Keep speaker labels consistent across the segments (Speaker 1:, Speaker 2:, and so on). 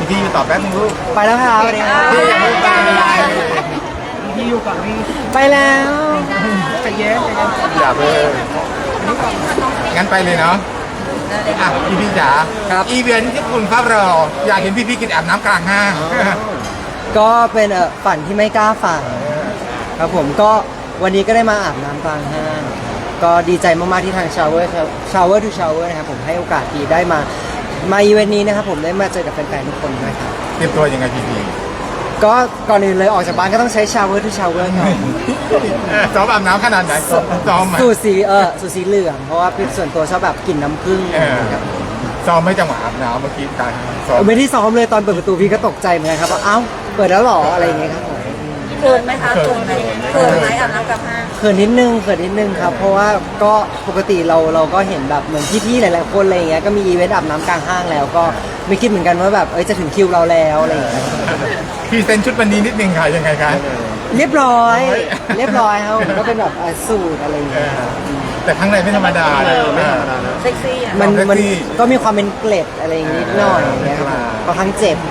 Speaker 1: พี่อยู่ต่อแป๊บนึงลูก
Speaker 2: ไปแล้วครับสวัสดีครับ
Speaker 1: พี่ยังไม่ไป
Speaker 2: พี่อยู่ก่อนพี่ไปแล้วใจเย็น
Speaker 1: อย่าเพิ่งงั้นไปเลยเนาะอ่ะพี่จ๋า
Speaker 2: ครับ
Speaker 1: อีเวนท์ที่คุณครับเราอยากเห็นพี่กินอาบน้ำกลางห้าง
Speaker 2: ก็เป็นฝันที่ไม่กล้าฝันครับผมก็วันนี้ก็ได้มาอาบน้ำกลางห้างก็ดีใจมากๆที่ทาง Shower to Shower นะครับผมให้โอกาสดีได้มาอีเวนต์นี้นะครับผมได้มาเจอกับแฟนๆทุกคนด้วยครับ
Speaker 1: เตรียมตัวยังไงพี่
Speaker 2: ก็ก่อนอื่นเลยออกจากบ้านก็ต้องใช้ Shower to Shower ก่อน
Speaker 1: ซ้อมอาบน้ำขนาดไหนซ้อมไหม
Speaker 2: สูตรสีเหลืองเพราะว่าเป็นส่วนตัวชอบแบบกลิ่นน้ำผึ้ง ครับ
Speaker 1: ซ้อมไม่จังหวะอาบน้ำเมื่อกี้การซ้อม
Speaker 2: ไม่ได้ซ้อมเลยตอนเปิดประตูพี่ก็ตกใจเหมือนกันครับว่าเอ้าเปิดแล้วเหรออะไรอย่างเงี้ยครับผม
Speaker 3: เขินไหมคะเขินไหมอาบน้ำกับห้าง
Speaker 2: เขินนิดนึงครับเพราะว่าก็ปกติเราก็เห็นแบบเหมือนพี่ๆหลายๆคนอะไรอย่างเงี้ยก็มีอีเวนต์อาบน้ำกลางห้างแล้วก็ไม่คิดเหมือนกันว่าแบบจะถึงคิวเราแล้วอะไรอย่างเงี้ย
Speaker 1: พรีเซนต์ชุดวันนี้นิดนึงค่ะยังไงคะ
Speaker 2: เรียบร้อยครับผมก็เป็นแบบสูทอะไรอย่างเงี้ยครับ
Speaker 1: แต่ข้างในไม่ธรรมดาเลย
Speaker 3: เซ็กซี่อ่ะ
Speaker 2: มัน
Speaker 1: เซ็กซี่
Speaker 2: ก็มีความเป็นเกล็ดอะไรอย่างงี้นิดหน่อยอย่างเงี้ยครับผมค่อนข้างเจ็บ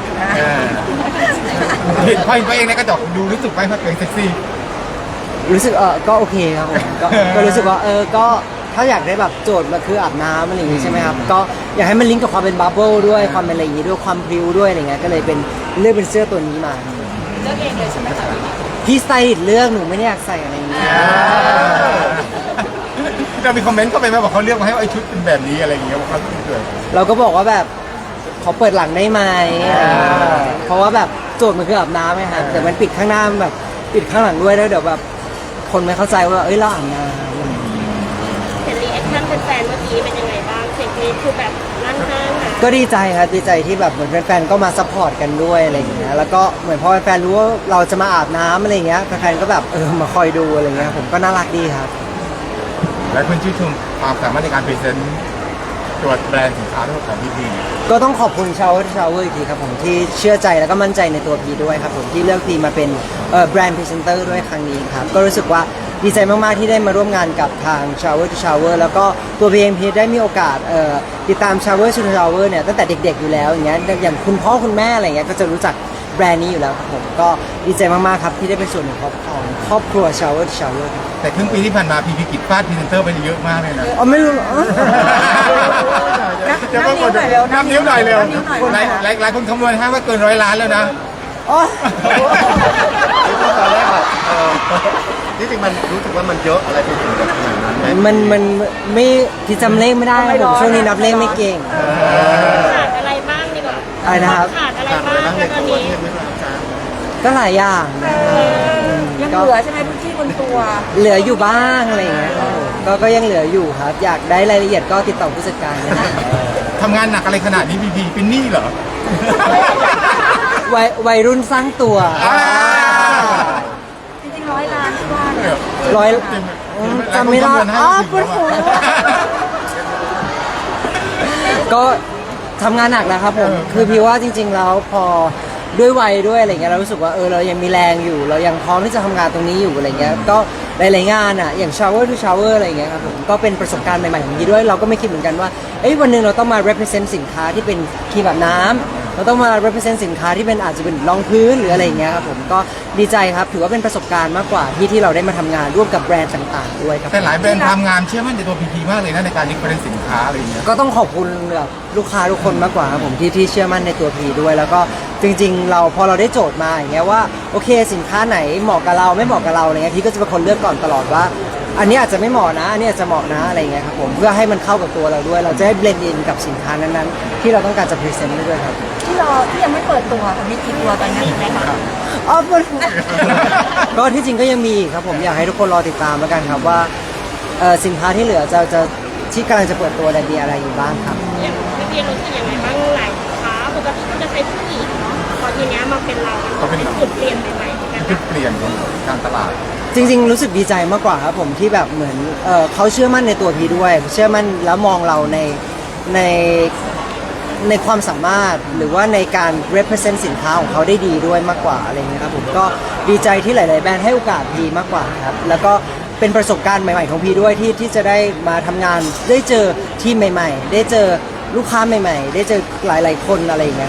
Speaker 1: เห็นพ่อเองในกระจกดูรู้สึกไหมว่าตัวเองเซ็กซี่
Speaker 2: รู้สึกก็โอเคครับผมก็รู้สึกว่าก็ถ้าอยากได้แบบโจทย์มาคืออาบน้ำอะไรอย่างงี้ใช่ไหมครับก็อยากให้มันลิงก์กับความเป็นบับเบิ้ลด้วยความเป็นอะไรอย่างงี้ด้วยความพริ้วด้วยอะไรเงี้ยก็เลยเลือกเป็นเสื้อตัวนี้มา
Speaker 3: เลือกเองเลยใช่ไหมคะ
Speaker 2: พี่สไตลิสต์เลือกหนูไม่ได้อยากใส่อะไรอย่างเงี้ย
Speaker 1: เรามีคอมเมนต์เข้าไปไหมบอกเขาเลือกมาให้ไอ้ชุดเป็นแบบนี้อะไรอย่างเงี้ยบอกเขาเกิด
Speaker 2: เราก็บอกว่าแบบขอเปิดหลังได้ไหมเพราะว่าแบบโจทย์มันคืออาบน้ำไงครับแต่มันปิดข้างหน้ามันแบบปิดข้างหลังด้วยแล้วเดี๋ยวแบบคนไม่เข้าใจว่าเราอาบน้ำ
Speaker 4: เห็นรีแอคชั่นแฟนๆเมื่อกี้เป็นยังไงบ้างเสียงกรี๊ดคือแบบลั่นห้างอ่ะ
Speaker 2: ก็ดีใจครับดีใจที่แบบเหมือนแฟนๆก็มาซัพพอร์ตกันด้วยอะไรอย่างเงี้ยแล้วก็เหมือนพอแฟนๆรู้ว่าเราจะมาอาบน้ำอะไรอย่างเงี้ยแฟนๆก็แบบมาคอยดูอะไรเงี้ยผมก็น่ารักดีครับ
Speaker 1: หลายคนชื่นชมความสามารถในการพรีเซนต์ตัวแบรนด์สินค้าทั้งหมดของพี่
Speaker 2: ก็ต้องขอบคุณShowerอีกทีครับผมที่เชื่อใจแล้วก็มั่นใจในตัวพีด้วยครับผมที่เลือกพีมาเป็นแบรนด์พรีเซนเตอร์ด้วยครั้งนี้ครับก็รู้สึกว่าดีใจมากๆที่ได้มาร่วมงานกับทาง Shower to Shower แล้วก็ตัวพีเองพีได้มีโอกาสติดตาม Shower to Shower เนี่ยตั้งแต่เด็กๆอยู่แล้วอย่างเงี้ยอย่างคุณพ่อคุณแม่อะไรเงี้ยก็จะรู้จักแบรนด์นี้อยู่แล้วครับผมก็ดีใจมากๆครับที่ได้เป็นส่วนหนึ่งของครอบครัว Shower to Shower ครับ
Speaker 1: ๆแต่ครึ่งปีที่ผ่านมาพี่กิจฟาดพรีเซนเตอร์ไปเยอะมากเลยนะ
Speaker 2: ไม่รู้เหรอ
Speaker 3: นับนิ้วหน่อยเร็ว
Speaker 1: นับนิ้วหน่อยเร็ว
Speaker 3: นับนิ้วหน่อย
Speaker 1: หลายคนคำนวณให้ว่าเกิน100 ล้านแล้วนะ
Speaker 2: อ๋อ
Speaker 5: ตอนแรกแบบที่จริงมันรู้สึกว่ามันเยอะอะไรไปถึงแบบขนาดนั้นไหม
Speaker 2: มันไม่ที่จำเลขไม่ได้ครับผมช่วงนี้นับเลขไม่เก่ง
Speaker 4: ขาดอะไรบ้างดีกว่า
Speaker 2: อะไรนะครับ
Speaker 4: ขาดอะไร
Speaker 5: ขาดอะไร
Speaker 4: บ้าง
Speaker 5: บ้างใน
Speaker 4: แล้วต
Speaker 5: ตั
Speaker 4: อน
Speaker 5: ว
Speaker 4: นี้
Speaker 5: เทพไม่รู้จ้า
Speaker 2: ก็หลายอย่างนะ
Speaker 3: ยังเหลือใช่ไหมพื้นที่บนตัว
Speaker 2: เหลืออยู่บ้างอะไรอย่างเงี้ยครับผมก็ยังเหลืออยู่ครับ อยากได้รายละเอียดก็ติดต่อผู้จัดการนะครับ
Speaker 1: ทำงานหนักอะไรขนาดนี้พี่เป็นหนี้เหรอ
Speaker 2: วัยรุ่นสร้างตัว
Speaker 3: จริงๆ100 ล้านที่ว่าเนี่ย
Speaker 2: ร้อยจำไม่ได้อ๋อปวดหัวก็ทำงานหนักแล้วครับผมคือพี่ว่าจริง ๆ แล้วพอด้วยวัยด้วยอะไรเงี้ยเรารู้สึกว่าเรายังมีแรงอยู่ เรายังพร้อมที่จะทำงานตรงนี้อยู่อะไรเงี้ยก็หลายๆงานอ่ะอย่าง Shower to Shower อะไรเงี้ยครับผมก็เป็นประสบการณ์ใหม่ๆของพี่ด้วยเราก็ไม่คิดเหมือนกันว่าวันหนึ่งเราต้องมา represent สินค้าที่เป็นครีมอาบน้ำเราต้องมา represent สินค้าที่เป็นอาจจะเป็นรองพื้นหรืออะไรเงี้ยครับผมก็ดีใจครับถือว่าเป็นประสบการณ์มากกว่าที่เราได้มาทำงานร่วมกับแบรนด์ต่างๆด้วยครับ
Speaker 1: แต่หลายแบรนด์ทำงานเชื่อมั่นในตัวพีมากเลยนะในการดิฟเฟอเรนซ์สินค้าอะไรอย่างเงี้ย
Speaker 2: ก็ต้องขอบคุณแบบลูกค้าทุกคนมากกว่าครับผมที่เชื่อมั่นในตัวพีด้วย แล้วก็จริงๆเราพอเราได้โจทย์มาอย่างเงี้ยว่าโอเคสินค้าไหนเหมาะกับเราไม่เหมาะกับเราอะไรเงี้ยพี่ก็จะเป็นคนเลือกก่อนตลอดว่า อันนี้อาจจะไม่เหมาะนะอันนี้อาจจะเหมาะนะอะไรเงี้ยครับผมเพื่อให้มันเข้ากับตัวเราด้วย เราจะได้เบลนด์อินกับสินค้านั้นๆที่เราต้องการจะพรีเซนต์ด้วยครับ
Speaker 3: ที่ยังไม่เปิดตัวค่ะมีกี่ตัวตอนนี้ไหมคะ
Speaker 2: อ๋อก็ที่จริงก็ยังมีอีกครับผมอยากให้ทุกคนรอติดตามแล้วกันครับว่าสินค้าที่เหลือจะที่กำลังจะเปิดตัวมีอะไรอยู่บ้างครับ
Speaker 4: อย่างพี่เบียร์รู้สึกยังไงบ้างหลายค้าปกติก็จะใช้ผู้หญิงเนาะพอทีเนี้ยมาเป็นเรามันเป็นจุดเปลี่ยนใหม่ๆเหมือนกัน
Speaker 1: จุด
Speaker 4: นะ
Speaker 1: เปลี่ยนของการตลาด
Speaker 2: จริงๆรู้สึกดีใจมากกว่าครับผมที่แบบเหมือนเขาเชื่อมั่นในตัวพีด้วย เชื่อมั่นแล้วมองเราในในความสามารถหรือว่าในการ represent สินค้าของเขาได้ดีด้วยมากกว่าอะไรเงี้ยครับผมก็ดีใจที่หลาย ๆ แบรนด์ให้โอกาสพีมากกว่าครับแล้วก็เป็นประสบการณ์ใหม่ๆของพีด้วยที่จะได้มาทำงานได้เจอทีมใหม่ๆ ได้เจอลูกค้าใหม่ๆ ได้เจอหลายๆคนอะไรอย่างเงี้ยครับ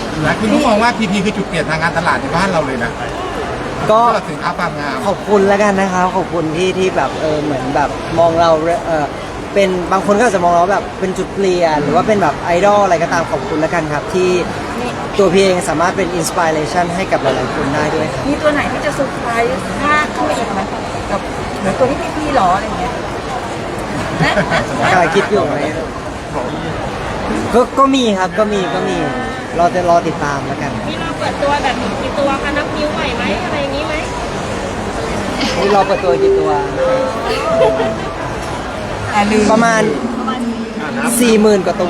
Speaker 1: หลายคนก็มองว่าพีพีคือจุดเปลี่ยนทางการตลาดในบ้านเราเลยนะ
Speaker 2: ก็
Speaker 1: สินค้าความงาม
Speaker 2: ขอบคุณแล้วกันนะครับขอบคุณที่แบบเหมือนแบบมองเราเป็นบางคนก็อาจจะมองเราแบบเป็นจุดเปลี่ยนหรือว่าเป็นแบบไอดอลอะไรก็ตามขอบคุณแล้วกันครับที่ตัวพี่เองสามารถเป็นอินสปิเรชันให้กับหลายๆคนได้ด้วยครับ
Speaker 3: มีตัวไหนที่จะเซอร์ไพรส์มากขึ้นไปอีกไหมกับเหมือนตัวที่พี่ๆหรออะไรเงี้ยนะ
Speaker 2: กำลังคิดอยู่ไหมก็มีครับก็มีเราจะรอติดตามแล้วกัน
Speaker 4: มีเราเปิดตัวแบบกี่ตัวคะนับนิ้วไหวไหมอะไรอย่างนี้ไหม
Speaker 2: นี่เราเปิดตัวกี่ตัว ประมาณ 40,000 กว่าตัว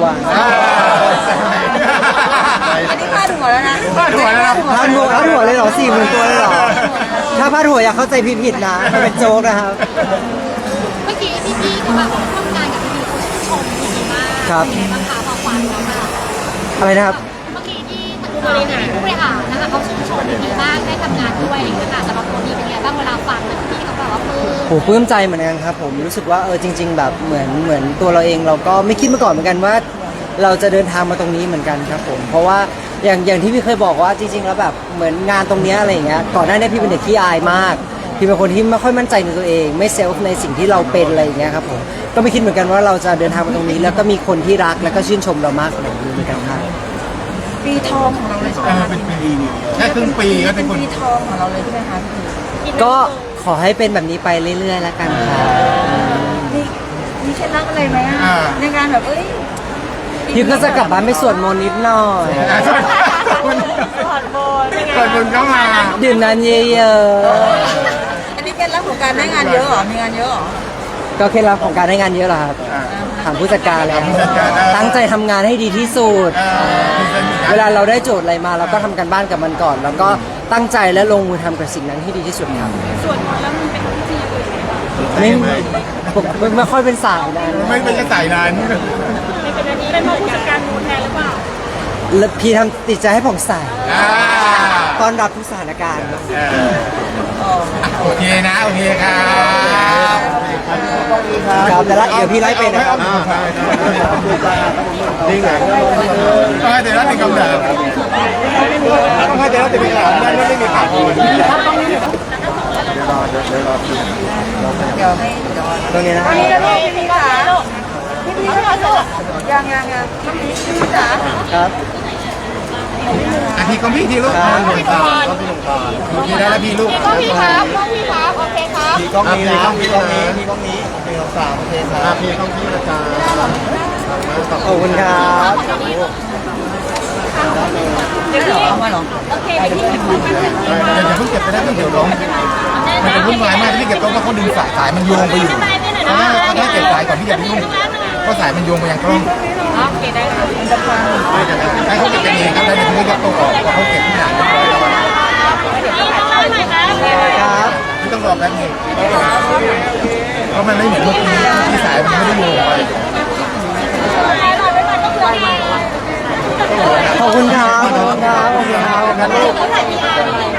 Speaker 3: อันนี้พลาดหัวแล้วนะ
Speaker 1: พลาดหัวแล้วนะ
Speaker 2: พาดหัวเลยเหรอ 40,000 ตัวเลยเหรอ ถ้าพาดหัวอย่าเข้าใจผิดนะมันเป็นโจ๊กนะครับ
Speaker 6: เมื่อกี้พี่ๆก็แบบร่วมงานกับพี่ๆเขาชื่นชมดีมาก
Speaker 2: ครับ
Speaker 6: เป็นไงบ้างคะความฝันของเรา
Speaker 2: อะไรนะครับ
Speaker 6: เมื่อกี้ที่ผู้บริหารนะคะเขาชื่นชมดีมากได้ทำงานด้วยอะไรอย่างเงี้ยค่ะสำหรับตัวนี้เป็นไงบ้างเวลาฟังพี่เขาบอกว่า
Speaker 2: โหปลื้มใจเหมือนกันครับผมรู้สึกว่าจริง ๆ แบบเหมือนตัวเราเองเราก็ไม่คิดมาก่อนเหมือนกันว่า เราจะเดินทางมาตรงนี้เหมือนกันครับผมเพราะว่าอย่างที่พี่เคยบอกว่าจริง ๆ แล้วแบบเหมือนงานตรงเนี้ยอะไรอย่างเงี้ยก่อนหน้านี้พี่เป็นเด็กขี้อายมากพี่เป็นคนที่ไม่ค่อยมั่นใจในตัวเอง ไม่เซลฟ์ในสิ่งที่เราเป็นอะไรอย่างเงี้ยครับผมก็ไม่คิดเหมือนกันว่าเราจะเดินทางมาตรงนี้ แล้วก็มีคนที่รักแล้วก็ชื่นชมเรามากขนาดนี้เหมือนกันครับ
Speaker 3: ปีทองของเราเลยใช่ไหมคะ
Speaker 1: เป็นปีแค่ครึ่งปีก็เป็นคน
Speaker 3: ปีทองของเราเลยใช่ไหมคะพี่
Speaker 2: ก็ขอให้เป็นแบบนี้ไปเรื่อยๆแล้วกันครับ
Speaker 3: มีเคล็ดลับอะไรไหมอ่ะในการแบบ
Speaker 2: พี่ก็จะกลับบ้านไปสวดมนต์นิดหน่อย
Speaker 4: ถอดโบนเป็นไง
Speaker 1: เปิดบุญเข้ามา
Speaker 2: ดื่มน้ำเยอะ
Speaker 3: อันนี้เคล็ดลับของการได้งานเยอะเหรอมีงานเยอะเหรอ
Speaker 2: ๆก็เคล็ดลับของการได้งานเยอะเหรอครับถามผู้จัดการแล้ว
Speaker 1: ผู้จัดการได้
Speaker 2: ตั้งใจทำงานให้ดีที่สุด
Speaker 1: พรีเซนต์อีก
Speaker 2: เวลาเราได้โจทย์อะไรมาเราก็ทำกันบ้านกับมันก่อน แล้วก็ตั้งใจและลงมือทำกับสิ่งนั้นให้ดีที่สุดครับ
Speaker 4: ส่วนมนต์แล้วมันเป็นพิธีอื่นไหมคะ
Speaker 2: ไม่ค่อยเป็นสายนะ
Speaker 1: ไม่เป็นกระสายนั้น
Speaker 4: ไม่เป็นอันนี้เป็นผู้จัดการมูลแทนหรือเปล่า
Speaker 2: แล้วพี่ทำติดใจให้ผ่องใส
Speaker 1: อ่า
Speaker 2: ต้อนรับทุกสถานการณ์
Speaker 1: โอเคนะโอเคครับ
Speaker 2: ครับแต่ละเดี๋ยวพี่ไล่เป็นนะครับ
Speaker 5: จริงเหรอ
Speaker 1: ต้องให้เดี๋ยวรับเป็นคำถามต้องให้เดี๋ยวรับเป็นคำถามนั่นไม่มีข่าวอื่น
Speaker 2: ตรงนี้นะครับ
Speaker 3: พี่จ๋าพี่ค่ะลูกยังพี่จ๋า
Speaker 2: ครับ
Speaker 1: อาทีของพี่ทีลูก
Speaker 2: ครับ
Speaker 1: โอเคได้แล้วพี่ลูก
Speaker 6: ก็พี่ครับก็พี่ครับโอเคครับ
Speaker 5: กล้องนี้นะกล้องนี้มีกล้องนี้1 2 3โอเคครับพี่กล้องนี้นะจ๊ะ
Speaker 2: ขอบคุณครับ
Speaker 3: เดี๋ยวเอามาหรอ
Speaker 4: โอเคไปที่ไหนคะ
Speaker 1: อย่าเพิ่งเก็บไปได้เพิ่งเดี๋ยวร้องมันจะวุ่นวายมากที่เก็บต้องว่าเขาดึงสายมันโยงไปอยู่ถ้าเก็บสายก่อนที่จะไปยุ่งเพราะสายมันโยงไปยังกล้อง
Speaker 4: โอเคได้ค่ะ
Speaker 1: ให้เขาเก็บกันเองครับแล้วเดี๋ยวพี่ก็ต้องออกเพราะเขาเก็บทุกอย่างเรียบร้อยแล้ว
Speaker 4: นี่ต้องเล่าหน่อยครับ
Speaker 2: ครับ
Speaker 1: ไม่ต้องรอแป๊บนึงเพราะมันไม่เหมือนเมื่อกี้ที่สายมันไม่ได้โยงไป
Speaker 2: ขอบคุณครับขอบคุณครับขอบคุณครับ
Speaker 1: งั้นลูก